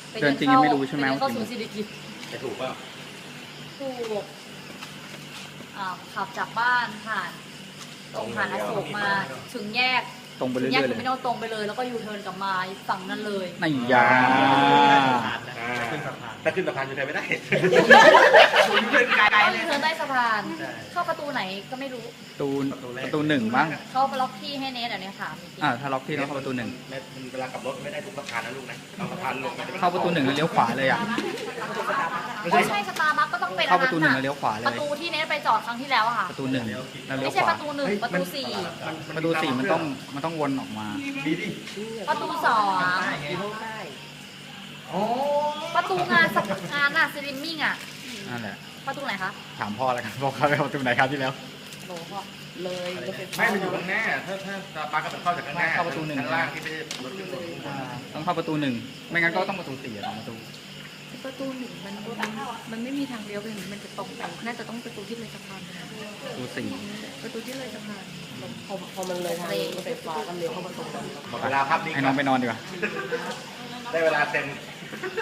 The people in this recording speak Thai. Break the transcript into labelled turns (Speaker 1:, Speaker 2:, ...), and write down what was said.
Speaker 1: เดินจริงยังไม่รู้ใช่ไหม
Speaker 2: เข้า
Speaker 1: ว่า
Speaker 2: ศูนย์สิริกิติ์
Speaker 3: จะถูกเปล่า
Speaker 2: ถูกขับจากบ้านผ่านตรงผ่านอโศกมาถึงแยก
Speaker 1: ตรงไปเรื่
Speaker 2: แยก
Speaker 1: อยๆ
Speaker 2: เท
Speaker 1: เล
Speaker 2: อย ร์มินอลตรงไปเลยแล้วก็ยูเทิร์นกลับมาฝั่งนั้นเลย
Speaker 1: ในยา
Speaker 3: ถ้าขึ้นสะพานจะไปไม่ได้
Speaker 4: เดินไกล
Speaker 2: ก็
Speaker 4: เล
Speaker 2: ยู
Speaker 4: ย
Speaker 2: เทิร์นใต้สะพาน เข้าประตูไหนก็ไม่รู้
Speaker 1: ประตูหนึ่งบ้าง
Speaker 2: เข้าไปล็อกที่ให้เนทเนี่ยถามจริง
Speaker 1: ถ้าล็อกที่ต้องเข้าประตูหนึ่ง
Speaker 3: เวลากลับรถไม่ได้ทุกสะพานนะลูกนะเอาสะพานลง
Speaker 1: เข้าประตูหนึ่งแล้วเลี้ยวขวาเลยอ่ะ
Speaker 2: ไม่ใช่สตาร์บัคก็ต้องเป็น
Speaker 1: เข้าประตูหนึ่งแล้วเลี้ยวขวาเล
Speaker 2: ประ
Speaker 1: ย
Speaker 2: ตูที่เนทไปจอดครั้งที่แล้วอะค่ะ
Speaker 1: ประตูหนึ่งแล้วเลี้ย
Speaker 2: ไม่
Speaker 1: ว
Speaker 2: ใช่
Speaker 1: ขวา
Speaker 2: ประตูหนึ่งประตูสี่
Speaker 1: ประตูสี่มันต้องวนออกมา
Speaker 3: ดีดิ
Speaker 2: ประตูสอง
Speaker 4: โอ้
Speaker 2: ประตูงานน่ะสลิมมิ่งอะ
Speaker 1: นั่นแหละ
Speaker 2: ประตูไหนคะ
Speaker 1: ถามพ่อแล้วกันพ่อเขาไปประตูไหนครับที่แล้ว
Speaker 2: โหก็เลยรถไฟฟ้า
Speaker 3: ไม่มันอยู่ข้างหน้าถ้าสะพานก็เป็นเข้าจากข้างหน้า
Speaker 1: เข้าประตูหนึ่ง
Speaker 3: ข้างล่างที่ไม่ใช่รถขึ้นบน
Speaker 1: ต้องเข้าประตูหนึ่งไม่งั้นก็ต้องประตูสี่สองประตู
Speaker 5: ประตูหนึ่งมันไม่มีทางเลี้ยวไปอย่างนี้มันจะตรงไปน่าจะต้องประตูที่เลยสะพานนะ
Speaker 1: ประตูสี่
Speaker 5: ประตูที่เลยสะพาน
Speaker 4: พอมันเลยทางรถไฟฟ้าก็เลี้ยวเข้าประตู
Speaker 3: หมดเวลาภาพนี้
Speaker 1: ให้น้องไปนอนดีกว่า
Speaker 3: ได้เวลาเต็ม